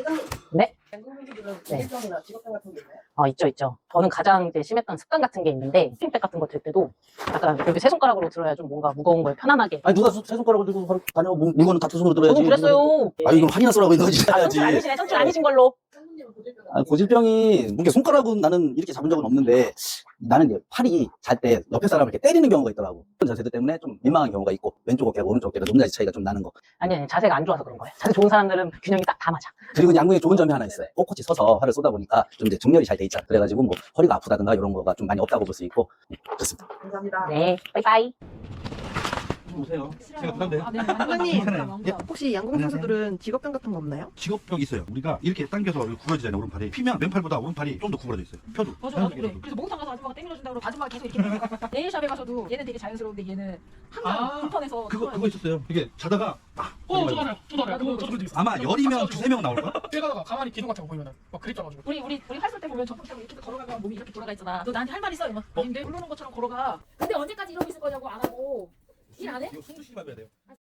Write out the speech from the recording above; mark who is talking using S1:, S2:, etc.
S1: 네?
S2: 양궁분들은
S1: 네.
S2: 고질병이나 직업병 같은 게 있나요?
S1: 있죠. 저는 가장 이제 심했던 습관 같은 게 있는데, 스팀백 같은 거 들 때도 약간 여기 세 손가락으로 들어야 좀 뭔가 무거운 걸 편안하게.
S3: 아니 누가 세 손가락을 들고 바로 다녀 물건은 다 두 손으로 들어야지.
S1: 저도 그랬어요.
S3: 아 이건 한이나 쓰라고 이거지.
S1: 선출 아니시네, 선출 아니신 걸로.
S2: 상무님은 고질병
S3: 아, 고질병이 이렇게 손가락은 나는 이렇게 잡은 적은 없는데 나는 이제 팔이 잘 때 옆에 사람을 이렇게 때리는 경우가 있더라고. 그런 자세들 때문에 좀 민망한 경우가 있고 왼쪽 어깨 오른쪽 어깨가 높낮이 차이가 좀 나는 거.
S1: 아니, 자세가 안 좋아서 그런 거예요. 자세 좋은 사람들은 균형이 딱 다 맞아.
S3: 그리고 양궁에 좋은 점이 하나 있어요. 꼿꼿이 서서 활을 쏘다 보니까 좀 이제 정렬이 잘 돼 있잖아. 그래가지고 뭐 허리가 아프다든가 이런 거가 좀 많이 없다고 볼 수 있고 그렇습니다.
S2: 감사합니다.
S1: 네, 빠이빠이.
S4: 오세요. 제가 부담돼요.
S2: 상무님
S4: 예.
S2: 혹시 양궁 선수들은 직업병 같은 거 없나요?
S4: 직업병이 있어요. 우리가 이렇게 당겨서 구부러지잖아요. 오른팔이. 피면 왼팔보다 오른팔이 좀 더 구부러져 있어요. 펴도.
S5: 맞아, 나도 그래. 그래서 목욕탕 가서 아줌마가 땡겨준다고 그러고 아줌마가 계속 이렇게 네일샵에 가서도 얘는 되게 자연스러운데 얘는 항상 불편해서
S4: 그거 있었어요. 이게 자다가
S6: 저도 알아요. 저도 알아요. 저도 그런 적 있어요.
S4: 아마 열이면 두세 명 나올걸?
S6: 뛰어가다가 가만히 기둥 같은 거 보이면은 막 그립져가지고.
S5: 우리 활쏠 때 보면 전폭 타고 이렇게 걸어가면 몸이 이렇게 돌아가 있잖아. 너 나한테 할 말 있어? 이러면 근데 부르는 것처럼 걸어가. 근데 언제까지 이러고 있을 거냐고 안 하고 일 안 해?
S4: 이거 숨 쉬지 말아야 돼요.